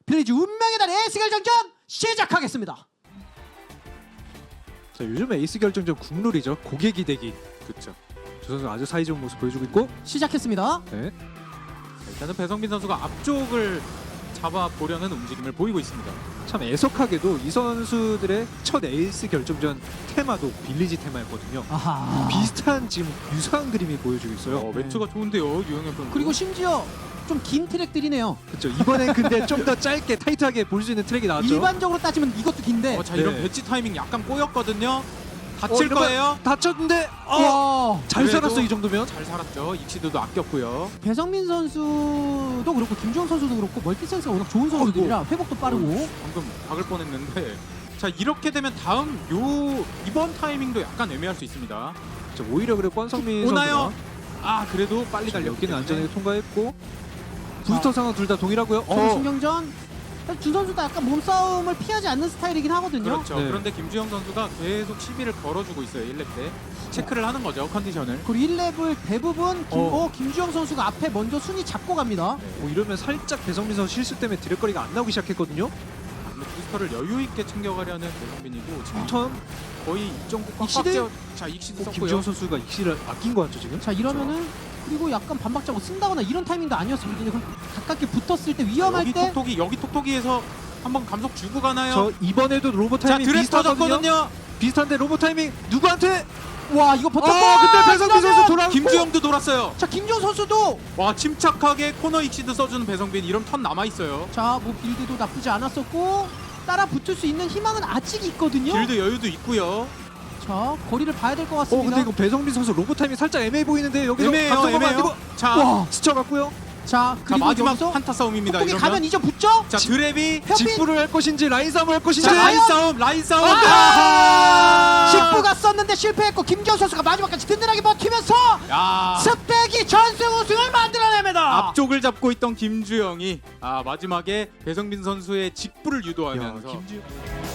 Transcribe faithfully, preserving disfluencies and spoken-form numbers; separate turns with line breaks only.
빌리지 운명의 달 에이스 결정전 시작하겠습니다.
자, 요즘 에이스 결정전 국룰이죠. 고개 기대기.
그렇죠.
저 선수 아주 사이좋은 모습 보여주고 있고.
시작했습니다.
네.
일단은 배성민 선수가 앞쪽을 잡아보려는 움직임을 보이고 있습니다.
참 애석하게도 이 선수들의 첫 에이스 결정전 테마도 빌리지 테마였거든요.
아하.
비슷한 지금 유사한 그림이 보여주고 있어요.
어, 매트가 좋은데요, 유영혁 선수.
그리고 심지어 좀 긴 트랙들이네요.
그렇죠. 이번엔 근데 좀 더 짧게 타이트하게 볼 수 있는 트랙이 나왔죠.
일반적으로 따지면 이것도 긴데.
어, 자 이런
네.
배치 타이밍 약간 꼬였거든요.
어,
다칠
이러면
거예요.
다쳤는데 어,
와.
잘
그래도
살았어 이 정도면.
잘 살았죠. 익시드도 아꼈고요.
배성민 선수도 그렇고 김주영 선수도 그렇고 멀티 센스가 워낙 좋은 선수들이라 회복도 빠르고.
방금 박을 뻔했는데. 자 이렇게 되면 다음 요 이번 타이밍도 약간 애매할 수 있습니다.
자, 오히려 그래 권성민
오나요?
선수가
아 그래도 빨리 달렸기
여기는
때문에.
안전하게 통과했고 부스터 상황 둘 다 동일하고요.
어.
어,
신경전. 두 선수 다 약간 몸싸움을 피하지 않는 스타일이긴 하거든요.
그렇죠.
네.
그런데 김주영 선수가 계속 시비를 걸어주고 있어요. 일 렙 때. 체크를 하는 거죠. 컨디션을.
그리고 일 렙을 대부분 김,
어.
어, 김주영 선수가 앞에 먼저 순위 잡고 갑니다.
어, 이러면 살짝 배성민 선수 실수 때문에 드랙거리가 안 나오기 시작했거든요.
근데 부스터를 여유 있게 챙겨가려는 배성빈이고 지금
턴
거의 이점구 꽉꽉
익시드?
채워. 자 익시드
어,
썼고요.
김지영 선수가 익시를 아낀 것 같죠 지금?
자 이러면은 그리고 약간 반박자고 쓴다거나 이런 타이밍도 아니었으면 그냥 가깝게 붙었을 때 위험할
여기
때
톡톡이 여기 톡톡이에서 한번 감속 주고 가나요?
저 이번에도 로봇
자
타이밍
드랩
비슷하거든요.
터졌거든요.
비슷한데 로봇 타이밍 누구한테?
와 이거 버텼고
아 근데 배성민 선수 돌아오고
김주영도 돌았어요.
자 김주영 선수도
와 침착하게 코너 익시드 써주는 배성빈 이런 턴 남아 있어요.
자뭐 빌드도 나쁘지 않았었고 따라 붙을 수 있는 희망은 아직 있거든요.
길드 여유도 있고요.
자 거리를 봐야 될 것
어
같습니다.
근데 이거 배성민 선수 로봇 타이밍 살짝 애매해 보이는데 여기서
애매해요,
감성만
애매해요.
만들고
자,
와.
스쳐갔고요.
자
자
그리고
마지막
여기서
한타 싸움입니다.
톡톡이
이러면
가면 이제 붙죠?
자 드랩이
협빈
직구를 할 것인지 라인 싸움을 할 것인지
자
자,
라인
과연?
싸움 라인 싸움.
아하!
아!
십구가 썼는데 실패했고 김주영 선수가 마지막까지 든든하게 버티면서
야
스펙이 전승 우승을 만들어냅니다.
앞쪽을 잡고 있던 김주영이 아 마지막에 배성빈 선수의 직부를 유도하면서
야, 김지영